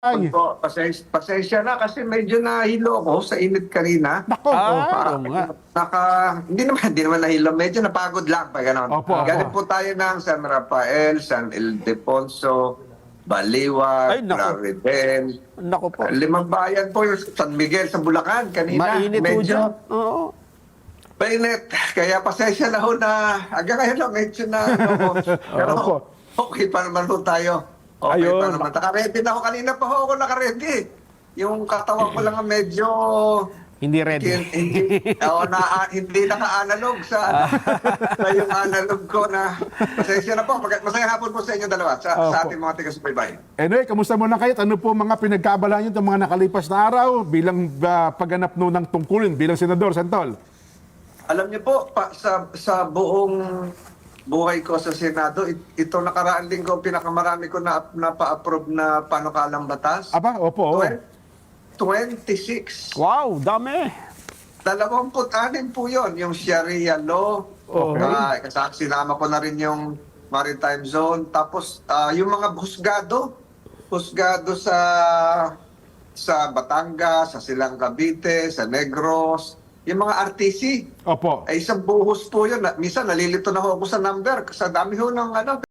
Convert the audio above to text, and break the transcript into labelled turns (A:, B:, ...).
A: Ay,
B: Po, pasensya na kasi medyo nahilo ako sa init kanina.
A: nako.
C: Oo nga.
B: Hindi naman nahilo, medyo napagod lang pa gano'n.
A: Opo,
B: Galing
A: opo.
B: po tayo ng San Rafael, San Ildefonso, Baliwag,
C: Ay, naku.
B: Claridel.
C: Naku po.
B: Limang bayan po yung San Miguel sa Bulacan kanina.
C: Mainit po
B: medyo
C: dyan. Oo.
B: mainit. Kaya pasensya na ho na hanggang ngayon lang medyo na pero
A: Opo.
B: okay pa naman ho tayo. Okay
A: Ayun.
B: pa naman. Naka-ready na ako. Kanina pa ho ako naka-ready. Yung katawan ko lang ang medyo
C: Hindi ready.
B: hindi naka-analog sa yung analog ko na pasensya na po. Masaya hapon po sa inyo dalawa sa
A: Opo.
B: ating mga taga-subaybay.
A: Anyway, kamusta muna kayo? Ano po mga pinagkaabalahan nyo itong mga nakalipas na araw bilang pagganap no ng tungkulin bilang senador, Santol?
B: Alam niyo po, sa buong buhay ko sa Senado, ito nakaraan linggo, pinakamarami ko na pa-approve na panukalang batas.
A: Aba, opo.
B: 26.
C: Wow, dami.
B: 26 po yun, yung Sharia law.
A: Okay.
B: Sinama ko na rin yung maritime zone. Tapos yung mga husgado sa Batangas, sa Silang Cavite, sa Negros, yung mga RTC.
A: Opo.
B: Ay isang buhos po yun. Minsan nalilito na ho ako sa number. Sa dami ho ng